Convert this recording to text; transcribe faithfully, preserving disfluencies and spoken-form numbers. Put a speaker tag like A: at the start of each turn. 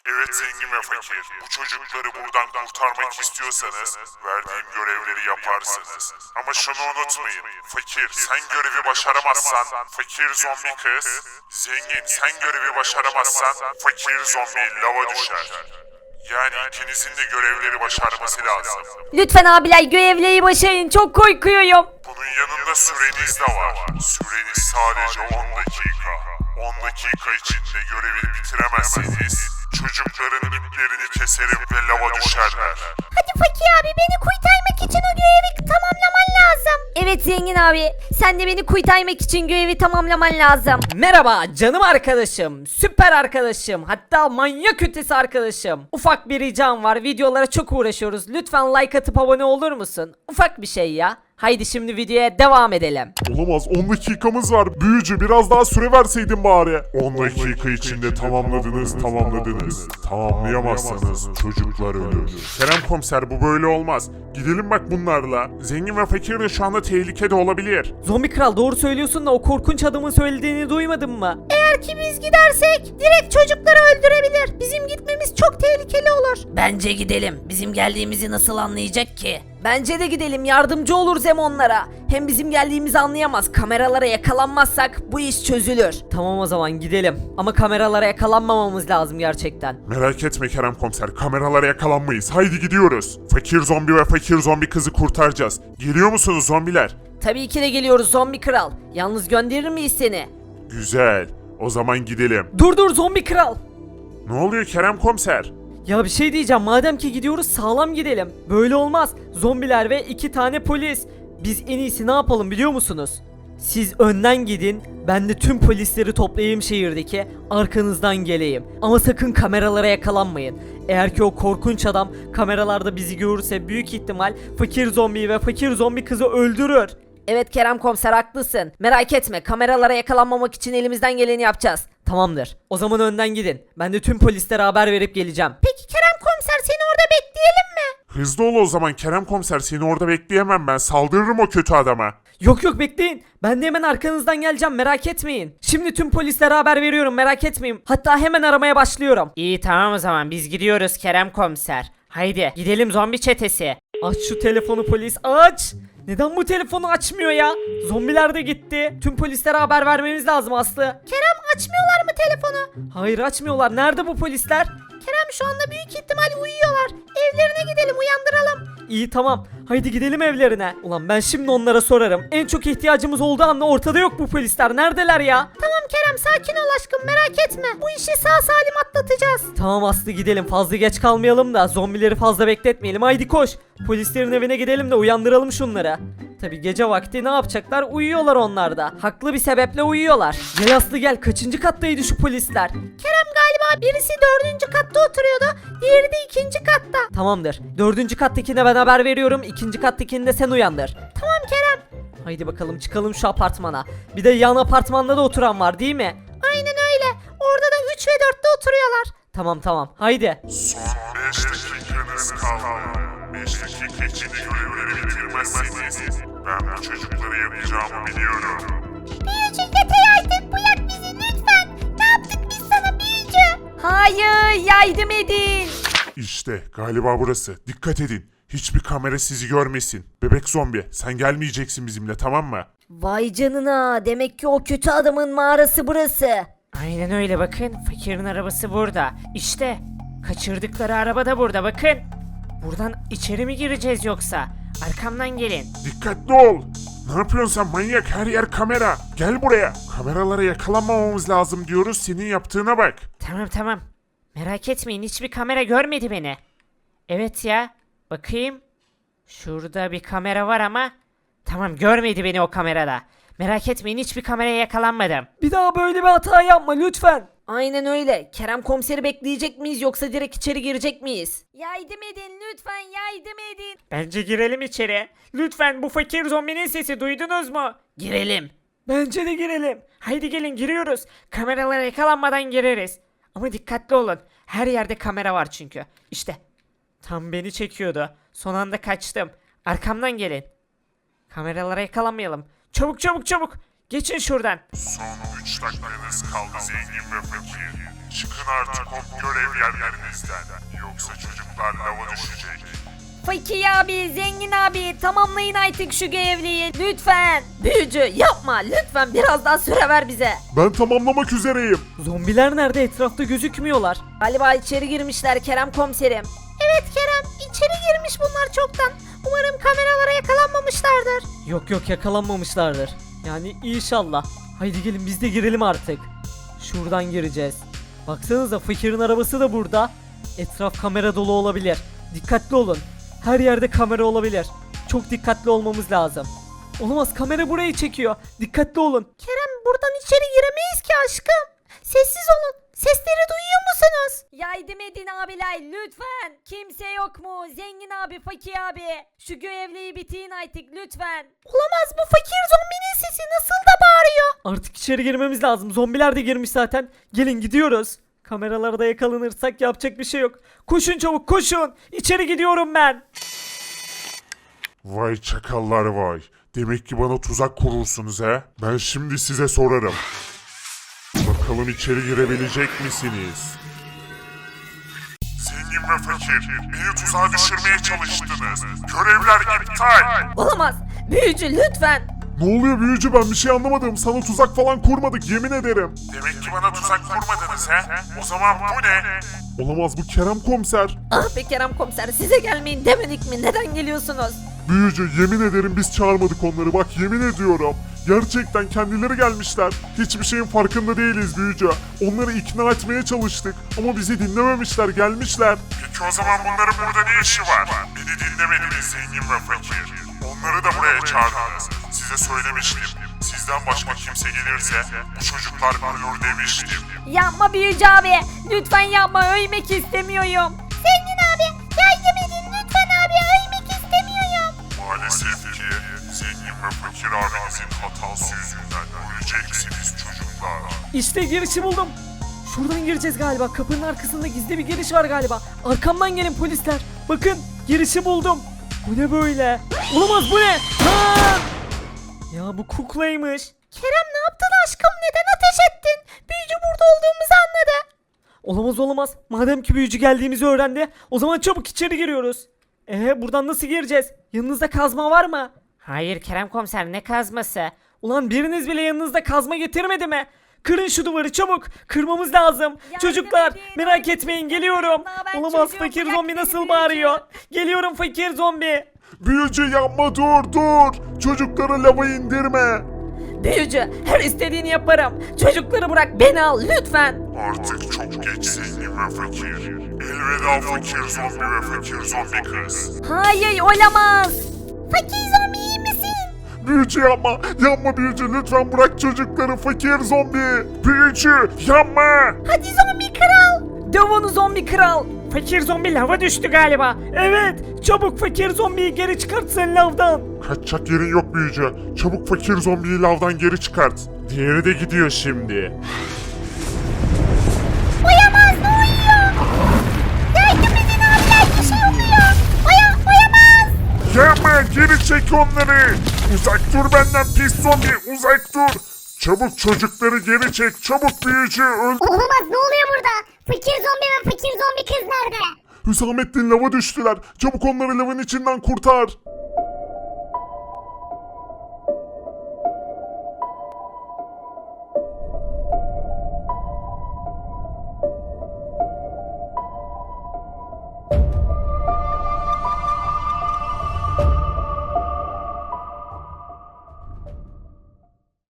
A: Evet zengin ve fakir, bu çocukları buradan kurtarmak istiyorsanız verdiğim görevleri yaparsınız. Ama şunu unutmayın, fakir sen görevi başaramazsan fakir zombi kız, zengin sen görevi başaramazsan fakir zombi lava düşer. Yani ikinizin de görevleri başarması lazım.
B: Lütfen abiler görevleri başarın, çok korkuyorum.
A: Bunun yanında süreniz de var. Süreniz sadece on dakika. on dakika içinde görevi bitiremezseniz çocukların iplerini keserim ve lava düşerler.
B: Hadi Fakir abi, beni kurtarmak için o görevi tamamlaman lazım. Evet zengin abi, sen de beni kurtarmak için görevi tamamlaman lazım. Merhaba canım arkadaşım, süper arkadaşım, hatta manyak ötesi arkadaşım. Ufak bir ricam var, videolara çok uğraşıyoruz. Lütfen like atıp abone olur musun? Ufak bir şey ya. Haydi şimdi videoya devam edelim.
A: Olamaz, on dakikamız var. Büyücü biraz daha süre verseydin bari. on dakika içinde tamamladınız, tamamladınız. Tamamlayamazsanız çocuklar ölür. Kerem komiser bu böyle olmaz. Gidelim bak bunlarla. Zengin ve fakir de şu anda tehlikede olabilir.
B: Zombi kral, doğru söylüyorsun da o korkunç adamın söylediğini duymadın mı? Eğer ki biz gidersek direkt çocukları öldürebilir. Bizim gitmemiz çok tehlikeli olur. Bence gidelim. Bizim geldiğimizi nasıl anlayacak ki? Bence de gidelim, yardımcı oluruz hem onlara. Hem bizim geldiğimizi anlayamaz. Kameralara yakalanmazsak bu iş çözülür. Tamam o zaman gidelim. Ama kameralara yakalanmamamız lazım gerçekten.
A: Merak etme Kerem komiser, kameralara yakalanmayız. Haydi gidiyoruz. Fakir zombi ve fakir zombi kızı kurtaracağız. Geliyor musunuz zombiler?
B: Tabii ki de geliyoruz zombi kral. Yalnız gönderir miyiz seni?
A: Güzel. O zaman gidelim.
B: Dur dur zombi kral.
A: Ne oluyor Kerem komiser?
B: Ya bir şey diyeceğim, madem ki gidiyoruz sağlam gidelim. Böyle olmaz. Zombiler ve iki tane polis. Biz en iyisi ne yapalım biliyor musunuz? Siz önden gidin, ben de tüm polisleri toplayayım şehirdeki, arkanızdan geleyim. Ama sakın kameralara yakalanmayın. Eğer ki o korkunç adam kameralarda bizi görürse büyük ihtimal fakir zombiyi ve fakir zombi kızı öldürür. Evet Kerem komiser, haklısın. Merak etme, kameralara yakalanmamak için elimizden geleni yapacağız. Tamamdır. O zaman önden gidin. Ben de tüm polislere haber verip geleceğim. Peki Kerem komiser, seni orada bekleyelim mi?
A: Hızlı ol o zaman Kerem komiser, seni orada bekleyemem ben. Saldırırım o kötü adama.
B: Yok yok bekleyin. Ben de hemen arkanızdan geleceğim, merak etmeyin. Şimdi tüm polislere haber veriyorum, merak etmeyin. Hatta hemen aramaya başlıyorum. İyi tamam o zaman biz gidiyoruz Kerem komiser. Haydi gidelim zombi çetesi. Aç şu telefonu polis, aç. Neden bu telefonu açmıyor ya? Zombiler de gitti. Tüm polislere haber vermemiz lazım Aslı. Kerem, açmıyorlar mı telefonu? Hayır açmıyorlar. Nerede bu polisler? Kerem, şu anda büyük ihtimal uyuyorlar. Evlerine gidelim, uyandıralım. İyi tamam. Haydi gidelim evlerine. Ulan ben şimdi onlara sorarım. En çok ihtiyacımız olduğu anda ortada yok bu polisler. Neredeler ya? Tamam Kerem, sakin ol aşkım, merak etme. Bu işi sağ salim atlatacağız. Tamam Aslı, gidelim. Fazla geç kalmayalım da zombileri fazla bekletmeyelim. Haydi koş. Polislerin evine gidelim de uyandıralım şunları. Tabi gece vakti ne yapacaklar? Uyuyorlar onlar da. Haklı bir sebeple uyuyorlar. Gel Aslı gel. Kaçıncı kattaydı şu polisler? Kerem, galiba birisi dördüncü katta oturuyordu. Diğeri de ikinci katta. Tamamdır. Dördüncü kattakine ben haber veriyorum. İkinci kattakini de sen uyandır. Tamam Kerem. Haydi bakalım çıkalım şu apartmana. Bir de yan apartmanda da oturan var değil mi? Aynen öyle. Orada da üç ve dörtte oturuyorlar. Tamam tamam. Haydi.
A: Son beş dakikanız kaldı. beş dakika içinde görevleri bitirmezseniz ben bu çocuklara yapacağımı biliyorum.
C: Büyücü yeter artık, bırak bizi lütfen. Ne yaptık biz sana büyücü?
B: Hayır, yardım edin.
A: İşte galiba burası. Dikkat edin. Hiçbir kamera sizi görmesin. Bebek zombi, sen gelmeyeceksin bizimle, tamam mı?
B: Vay canına, demek ki o kötü adamın mağarası burası.
D: Aynen öyle, bakın fakirin arabası burada. İşte kaçırdıkları araba da burada, bakın. Buradan içeri mi gireceğiz yoksa? Arkamdan gelin.
A: Dikkatli ol. Ne yapıyorsun sen manyak? Her yer kamera. Gel buraya. Kameralara yakalanmamamız lazım diyoruz. Senin yaptığına bak.
D: Tamam tamam. Merak etmeyin, hiçbir kamera görmedi beni. Evet ya. Bakayım. Şurada bir kamera var ama. Tamam, görmedi beni o kamerada. Merak etmeyin, hiçbir kameraya yakalanmadım.
B: Bir daha böyle bir hata yapma lütfen. Aynen öyle. Kerem komiseri bekleyecek miyiz yoksa direkt içeri girecek miyiz? Yardım edin lütfen, yardım edin.
D: Bence girelim içeri. Lütfen, bu fakir zombinin sesi duydunuz mu?
B: Girelim.
D: Bence de girelim. Haydi gelin, giriyoruz. Kameralara yakalanmadan gireriz. Ama dikkatli olun. Her yerde kamera var çünkü. İşte. Tam beni çekiyordu. Son anda kaçtım. Arkamdan gelin. Kameralara yakalanmayalım. Çabuk çabuk çabuk. Geçin şuradan.
A: Son üç dakikanız kaldı zengin ve fakir. Çıkın artık o görev yerlerinizden. Yoksa çocuklar lava düşecek.
B: Fakir abi, zengin abi tamamlayın artık şu görevliyi lütfen. Büyücü yapma lütfen, biraz daha süre ver bize.
A: Ben tamamlamak üzereyim.
B: Zombiler nerede, etrafta gözükmüyorlar. Galiba içeri girmişler Kerem komiserim.
C: Evet Kerem, içeri girmiş bunlar çoktan. Umarım kameralara yakalanmamışlardır.
B: Yok yok, yakalanmamışlardır. Yani inşallah. Haydi gelin biz de girelim artık. Şuradan gireceğiz. Baksanıza fakirin arabası da burada. Etraf kamera dolu olabilir. Dikkatli olun. Her yerde kamera olabilir. Çok dikkatli olmamız lazım. Olamaz, kamera burayı çekiyor. Dikkatli olun.
C: Kerem, buradan içeri giremeyiz ki aşkım. Sessiz olun. Sesleri duyuyor musunuz?
B: Yardım edin abiler lütfen. Kimse yok mu? Zengin abi, fakir abi. Şu görevliyi bitirin artık lütfen.
C: Olamaz, bu fakir zombinin sesi nasıl da bağırıyor.
B: Artık içeri girmemiz lazım. Zombiler de girmiş zaten. Gelin gidiyoruz. Kameralarda yakalanırsak yapacak bir şey yok. Koşun çabuk koşun. İçeri gidiyorum ben.
A: Vay çakallar vay. Demek ki bana tuzak kurursunuz he? Ben şimdi size sorarım. Bakalım içeri girebilecek misiniz? Zengin ve fakir, beni tuzağa düşürmeye çalıştınız. Görevler iptal.
B: Olamaz. Büyücü lütfen.
A: Ne oluyor büyücü, ben bir şey anlamadım. Sana tuzak falan kurmadık yemin ederim. Demek ki bana tuzak kurmadınız he? O zaman bu ne? Olamaz, bu Kerem komiser.
B: Ah be Kerem komiser, size gelmeyin demedik mi? Neden geliyorsunuz?
A: Büyücü yemin ederim biz çağırmadık onları, bak yemin ediyorum. Gerçekten kendileri gelmişler. Hiçbir şeyin farkında değiliz büyücü. Onları ikna etmeye çalıştık ama bizi dinlememişler, gelmişler. Peki o zaman bunların burada ne işi var? Beni dinlemediniz zengin ve fakir. Onları da buraya çağırdınız. Size söylemiştim. Sizden başka kimse gelirse bu çocuklar ölür demiştim.
B: Yapma büyücü abi. Lütfen yapma, ölmek istemiyorum.
C: Zengin abi, yardım edin lütfen abi, ölmek istemiyorum.
A: Maalesef ki zengin ve fakir abinizin hatası yüzünden öleceksiniz çocuklar.
B: İşte girişi buldum. Şuradan gireceğiz galiba. Kapının arkasında gizli bir giriş var galiba. Arkamdan gelin polisler. Bakın girişi buldum. Bu ne böyle? Olamaz, bu ne? Ha! Ya bu kuklaymış.
C: Kerem, ne yaptın aşkım, neden ateş ettin? Büyücü burada olduğumuzu anladı.
B: Olamaz olamaz. Madem ki büyücü geldiğimizi öğrendi, o zaman çabuk içeri giriyoruz. Ee buradan nasıl gireceğiz? Yanınızda kazma var mı?
D: Hayır Kerem komiser, ne kazması?
B: Ulan biriniz bile yanınızda kazma getirmedi mi? Kırın şu duvarı çabuk. Kırmamız lazım. Çocuklar
C: edin,
B: merak
C: yardım
B: etmeyin,
C: edin.
B: geliyorum.
C: Ben
B: Olamaz,
C: çocuğum,
B: fakir
C: bırak
B: zombi
C: beni
B: nasıl
C: büyücü.
B: bağırıyor? Geliyorum fakir zombi.
A: Büyücü yapma, dur dur. Çocukları lava indirme.
B: Büyücü, her istediğini yaparım. Çocukları bırak, beni al lütfen.
A: Artık çok geç zengin ve fakir. Elveda fakir zombi ve fakir zombi kız.
B: Hayır, olamaz.
C: Fakir zombi, iyi misin?
A: Büyücü yapma, yapma büyücü, lütfen bırak çocukları fakir zombi. Büyücü yapma.
C: Hadi zombi kral.
B: Döv onu zombi kral.
D: Fakir zombi lava düştü galiba.
B: Evet, çabuk fakir zombiyi geri çıkartsın lavdan.
A: Kaçacak yerin yok büyücü. Çabuk fakir zombiyi lavdan geri çıkart. Diğeri de gidiyor şimdi.
C: Oyamaz, ne uyuyor? Yardım edin abiler, bir şey oluyor. Oya, oyamaz.
A: Yapma, geri çek onları. Uzak dur benden pis zombi, uzak dur. Çabuk çocukları geri çek, çabuk büyücü öl...
C: Olamaz, ne oluyor burada? Fakir zombi ve fakir zombi kız nerede?
A: Hüsamettin lava düştüler. Çabuk onları lavın içinden kurtar.